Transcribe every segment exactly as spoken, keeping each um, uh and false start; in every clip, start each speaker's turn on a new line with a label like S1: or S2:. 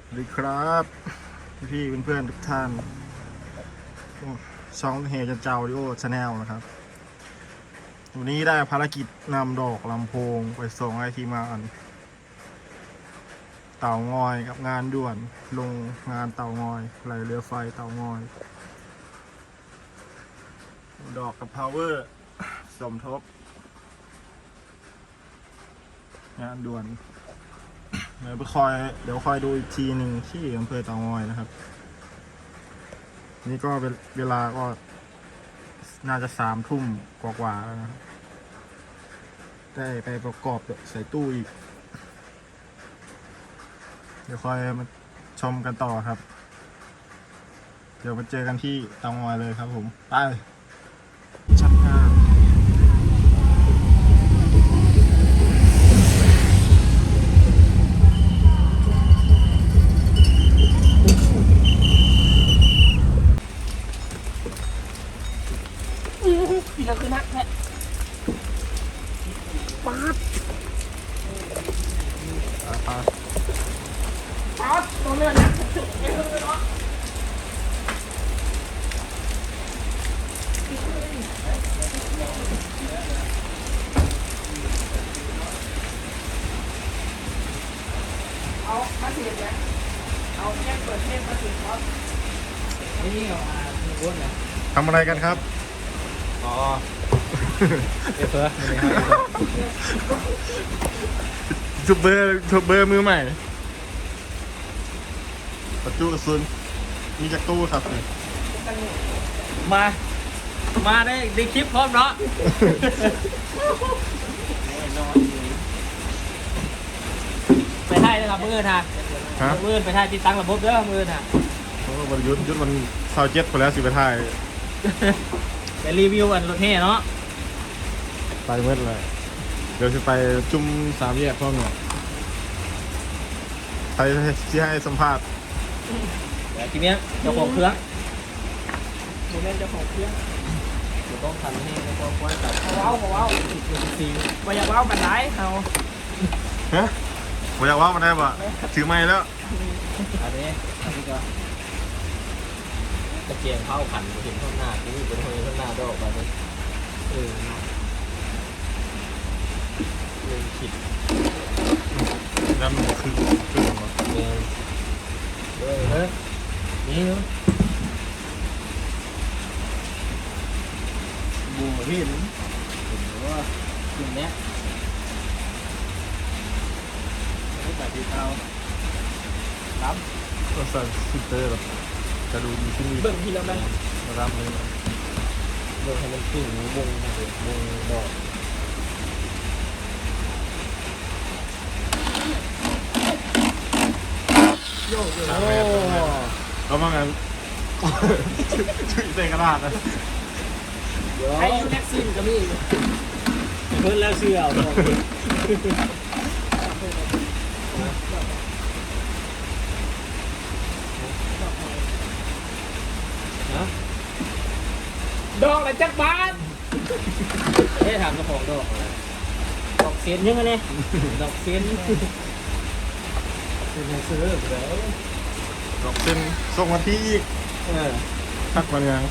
S1: สวัสดีครับพี่เพื่อนๆทุกท่านช่องเฮจันเจ้าดิโอชาแนลนะครับวันนี้ได้ภารกิจนำดอกลำโพงไปส่งให้ทีมงานเต่างอยกับงานด่วนลงงานเต่างอยไหลเรือไฟเต่างอยดอกกับพาวเวอร์สมทบงานด่วนเดี๋ยวไปคอยเดี๋ยวคอยดูอีกทีหนึ่งที่อำเภอเต่างอยนะครับนี่ก็เป็นเวลาก็น่าจะสามทุ่มกว่าๆแล้วนะได้ไปประกอบใส่ตู้อีกเดี๋ยวคอยมาชมกันต่อครับเดี๋ยวมาเจอกันที่เต่างอยเลยครับผมไปชั้นห้า
S2: ปีละคือนักแท้ป๊าด
S1: ป๊าด
S2: ป๊าดตัวเลือดนะเอ้ยเนาะเอามาสิเนี่ยเอาแจ้งเปิดเพลงมาสิครับนี่เอาอ่ามีวนนะ
S1: ทำอะไรกันครับ
S3: อ๋อเอฟเฟอร์ไม่ได้ครับ
S1: ทูบเบอร์ทูบเบอร์มือใหม่ประตูกระสุนมีจากตู้ครับนี่
S3: มา มาได้ได้คลิปพร้อมเนาะไปถ่ายนะครับมือนะ
S1: ฮะ
S3: มือไปถ่ายติดตั้งระบบเด้อมือนะ
S1: โอ้บรยุทธ์ยุทธวันเสาร์เจ็ดไปแล้วสิไปถ่าย
S3: ไปรีวิวอันรถเท่เนาะ
S1: ไปเมื่อไรเดี๋ยวจะไปจุ่มสามแยกพ่อหนุ่มใครที่ให้สัมภาษณ์
S3: แต่ทีเนี้ยเจ้าของเครื่อง
S2: หนูเล่นเจ้าของเครื่อง
S3: เดี๋ยวต้องทำให้แล้วก็คว้าจับ
S2: เขาเว้าเขาเว้า
S3: ซี
S2: บ่อยากเว้าบันไดเขา
S1: ฮะผมอยากว่ามันได้ปะถือไม้แล้ว
S3: อันนี้อันนี้ก็ตะเกียงเข้าขันเห็นข้างหน้าที่เป็นคนข้างหน้าดอกแบบนี้เออเนาะเลยขิด
S1: แล้วมันคือคือมัน
S3: เออเออเฮ้ยนี่เนาะ
S1: บูมเห็น
S3: เห็นว่าคืนนี้ไม่แบบที่เอารับ
S1: ก็ใส่ฟิลเตอร์แบบจะดูดีขึ้นอีก
S2: เบิ่งทีละแม่
S1: นะครับเลย
S3: เดินให้มันขึ้นวงเลยวงดอก
S2: โยกโยก
S1: โอ้แล้วมันกันช่วยใส่กระดาษนะ
S3: เดี๋ยว
S2: ไอ้ยูแน็กซินก็มี
S3: เพิ่นแล้วเชื่อเอาดอกนะ
S2: ดอกละจักบาท
S3: เอ๊ะถามเจ้าของดอกอะไรดอกเซนยังไงเนี่ยดอกเซนเป็นไงซื้อแล้ว
S1: ดอกเส้นส่งมาที่อีก
S3: เออ
S1: ทักมาเนี่ย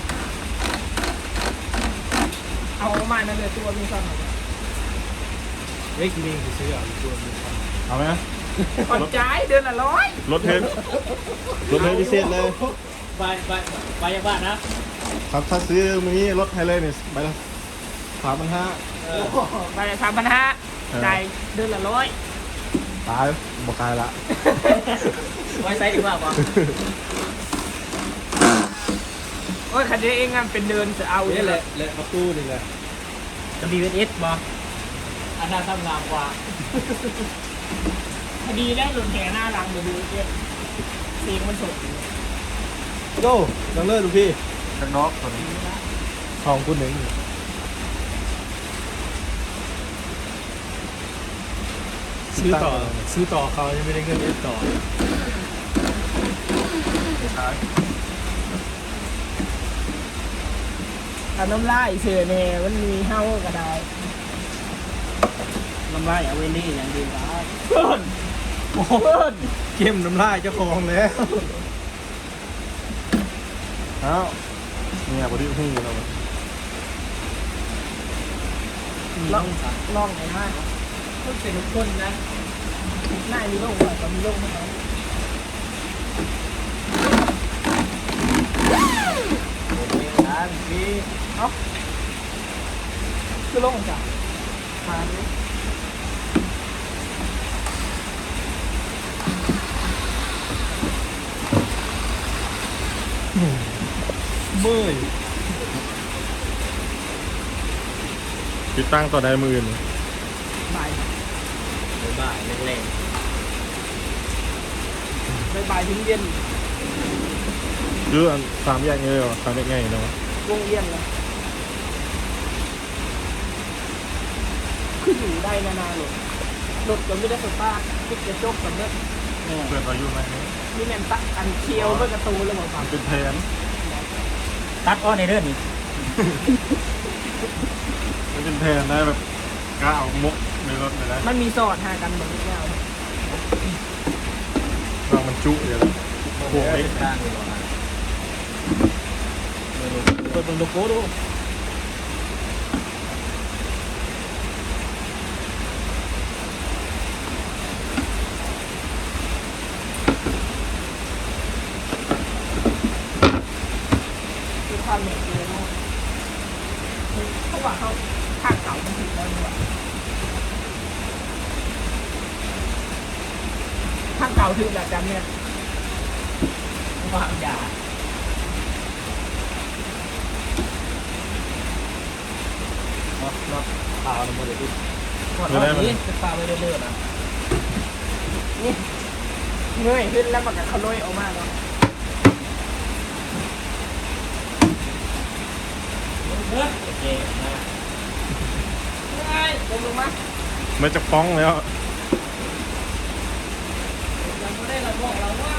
S2: เอามานั่นเลยตัวมีซ้ำ
S3: เล็กลิงซื้อเอาตัวมีความ
S1: เอาไหม
S2: ผ่อนจ่ายเดือนละร้อย
S1: รถเทนรถเทนพิเศษเลย
S3: ใบใบใบยาบ้านนะครับ
S1: ถ้าซื้อมือนี้รถให้เลยเนี่ยใบละสามพันห้า
S3: เออ
S2: ไปสามพันห้าจ่ายเดือนละร้อย
S1: ตายบอกตายละ
S3: ไว้ใส่ดีกว่าป่ะ
S2: โอ้ยคันนี้เองงานเป็นเดือนจะเอา
S3: นี่
S2: เนี่ย
S3: แห
S2: เล
S3: ละ
S2: ย
S3: แหละประตูนี่แหละจะมีเวทเอสป่ะอันนั้นทำงามกว่า
S2: คดีแล้วหลุดแห่หน้าหลังเดี๋ยวดูเองเสียงมันสด
S1: โก้ยังเลิกดูพี่ข้างนอกคนทองคุณหนึ่ง
S3: ซื้อต่อซื้อต่อเขายังไม่ได้เงินเอสต่อ
S2: ถ้าน้ำลายเสือแน่มันมีเห่าก็ได้
S3: น้ำลายเอาเวนดี้อย่างดีครับ
S2: ต้น
S3: โอ้โห
S1: เข้มน้ำลายเจ้าของแล้วเอ้าเนี่ยบอดี้หุ้งเรา
S2: ล่องล่องไหนมากต้องเป็นทุกคนนะหน้ามีโล่งกว่าก็มีโล่งไหมครับเอ้าคือโล่งจ้ะมาดิ
S1: เมื่อยติดตั้งต่อได้มืออื่น
S2: บ่าย
S3: บ่ายแรง
S2: บ่ายถึงเย็น
S1: หรืออันสามแยกไงเหรอสามแยกไงเนาะ
S2: วงเย็นเลยคืออยู่ได้นานๆหรอกรถก็ไม่ได้สตาร์ทคิดจะจกกับเนี้ย
S1: เปิดอายุไหม
S2: นี่แมนตักอันเคียวเมื่อกระตูเลยบอกฟัง
S1: เป็นแผน
S3: ตัดอ้อในเรื่องนี้
S1: มันเป็นแผนได้แบบกล้าเอามุกในรถเลยนะ
S2: มันมีสอดหากันเหมือนแก้ว
S1: วางมันจุอยู่แล้วโค้งเล็ก
S3: เปิดเป็นโลโก้ดู
S2: คือความเหนื่อยเลยนะเพราะว่าเขาข้างเก่ามันถึงแล้วนี่หว่าข้างเก่าถึงแบบจำเนี่ย
S3: ว่างยาน็อตน็อตเปล่าในโมเดลดิน็อตนี้จะเปล่าไปเรื่อยๆนะ
S2: นี่เงยขึ้นแล้วมันก็ขลุ่ยออกมาเนาะ
S3: โอเคนะ
S2: เงยลงลงมา
S1: มันจะฟ้องแล้ว
S2: ยังไม่ได้ระบอกเราว่า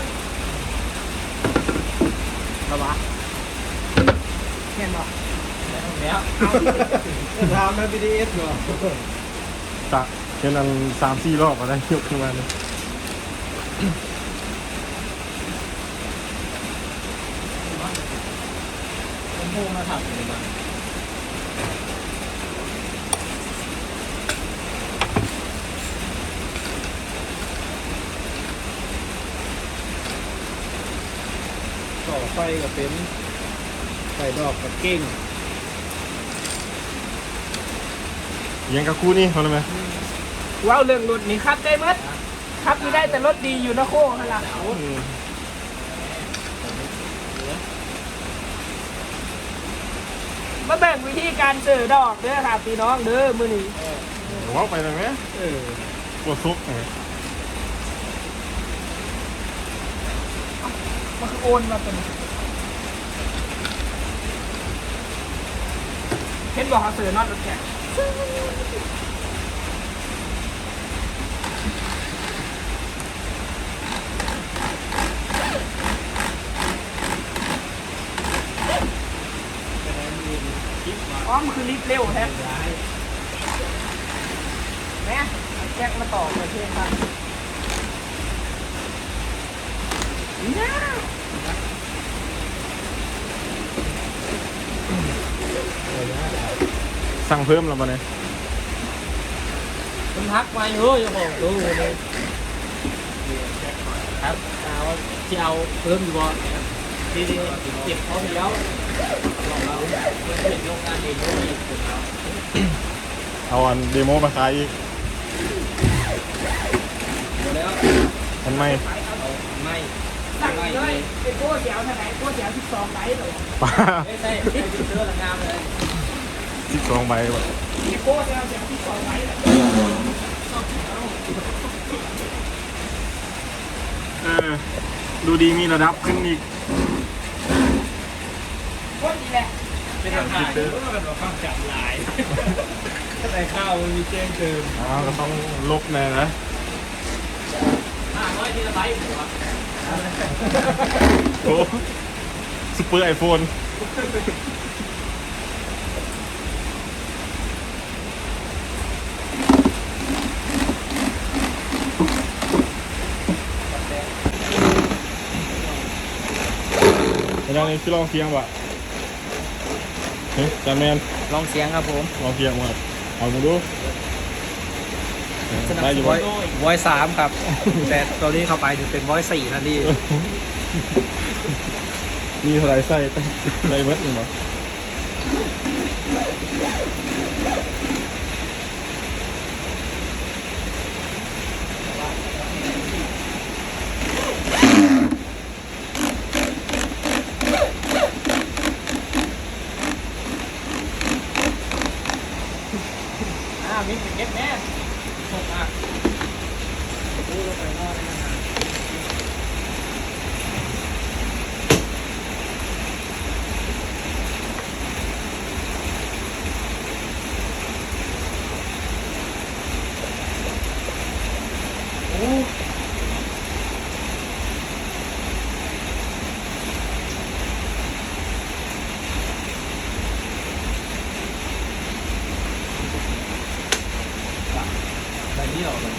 S3: ระวะ
S2: เห็นบอก
S3: แล้ว
S1: ทำใน บี ดี เอส เหรอจะเห็นอันสามสี่รอบอะไรยกขึ้นมาเลย
S3: ผมพูดมาถามเลยมาต่อไฟกับเป็นไฟดอกกับเก้ง
S1: ยังกับคู่นี่เขาเลยไหม
S2: ว้าวเรื่องรถนี่ครับได้มั้ยครับนี่ได้แต่รถดีอยู่นะโค้งฮะล่ะมาแบ่งวิธีการเจอดอกเด้อครับพี่น้องเด้อมือนี้
S1: ว้าวไปเลยไหม
S3: เออ
S1: ปวดซุกไง
S2: มันคือโอนมาเป็นเห็นบอกเขาเสือนอดรถแข่งอ๋อมันคือรีบเร็วแท้แม่แจ็คมาต่อเลยเพื่อนครับเนี่ย
S1: สั่งเพิ่มแล้วมาเนี่ย
S3: มันทักมาเยอะจะบอกดูเลยครับเอาที่เอาเพิ่มอยู่บ่ที่ที่เก็บเขาไปแล้วลองเราเป็นโรงงานเองด้วยเรา
S1: เอาอันเดโมมาขายอีก
S3: หมดแล้ว
S1: ทันไหม
S3: เอาไม่
S2: สั่ง
S3: ไม่
S2: เล
S3: เลย ย
S2: เป็นโก้เสียวเท่าไหร่โก้เสียวสิบสองไบต์เลย
S1: ป้า
S3: ไม่ใช่ไม่ใช่เสื้อละงามเลย
S1: สิบสองใบว่ะ
S2: เป็นโก้เสียวเสียวสิบสองไบต์เลย
S1: เออดูดีมีระดับขึ้นอีก
S2: โก้ดีแหละ
S3: เป็นทางการเพราะว่ามันความจับลายถ้าใส่ข้าวมันมีแจ้งเติม
S1: อ้าวก็ต้องลบแน่นะ
S3: ห้าร้อยที่ละใบหัว
S1: โอ้ซุปเปอร์ไอโฟนยังนี่ที่ลองเสียงวะเฮ้ยจาแมน
S2: ลองเสียงครับผม
S1: ลองเสียงมาเอามาดู
S2: สนับ
S1: ได้
S2: ส
S1: อยู่
S2: นุ
S1: บ่
S2: นวอยสามครับ แต่ตอนนี้เข้าไปถึงเป็นวอยสี่ทันที
S1: มีเท่าไหรใส่ใส่เบิดหนึ่งเหรอ
S3: อ่ามีเก็บแม่หกอ่ะดูลงไปนอนเลยนะโอ้ ใบนี้ออกเลย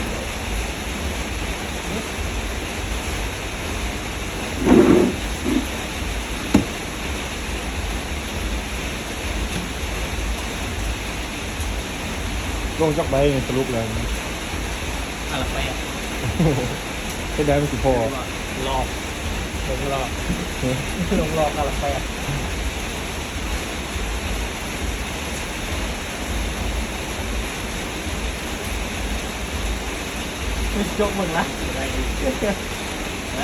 S1: ลงจักใบสรุปแล้ว
S3: อะไรไปอ่ะ
S1: ให้ได้ไม่สิพอ
S3: หลอกลงหลอกลงหลอกอะไรไปอ่ะไม่ยกมึงละนะ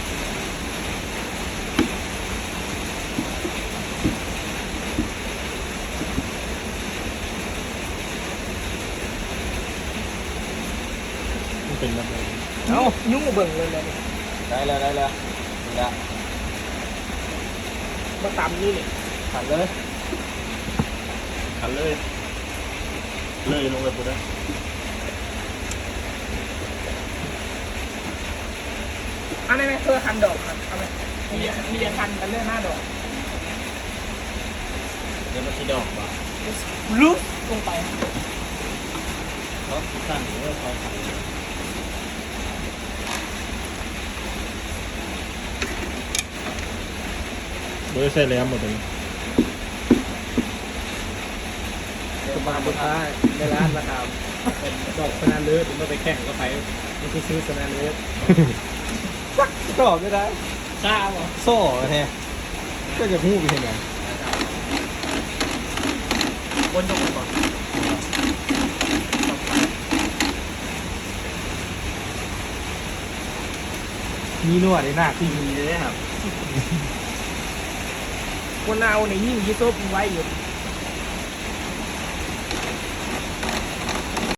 S1: มันเป็นแบบไหน
S2: เอ้ายุ่งเบิ่งเลยเลย
S3: ได้แล้วได้แล้วนี่ละ
S2: มาตำนี่นี่
S3: ขันเลย
S1: ขันเลยเลยลงไปปุ๊บนะ
S2: อันนี้ไหมเพื่อคันดอกครับเอาไหมมีมีจะคันกันเรื่องหน้าดอก
S3: เดี๋ยวมันจะดอกป่ะ
S2: ลุกลงไป
S3: เขาสั่งหรือว่าเขาสั่ง
S1: โดยใส่แหลมหมดเลย
S2: สมาบุตรในร้านนะครับ
S3: เป็นดอกสนานเลือดมันไปแข่งก็ไป
S2: นี่คือซื้อสนานเล็บสักดอกไม่ได้
S3: ทราบเหรอ
S2: โซ่แท้ก็จะพูดไปยังไง
S3: บนตรงก่อน
S2: มีนวดในหน้าที่มีเลยครับคนเอาในยิ่งยี่ซุปไว้อยู่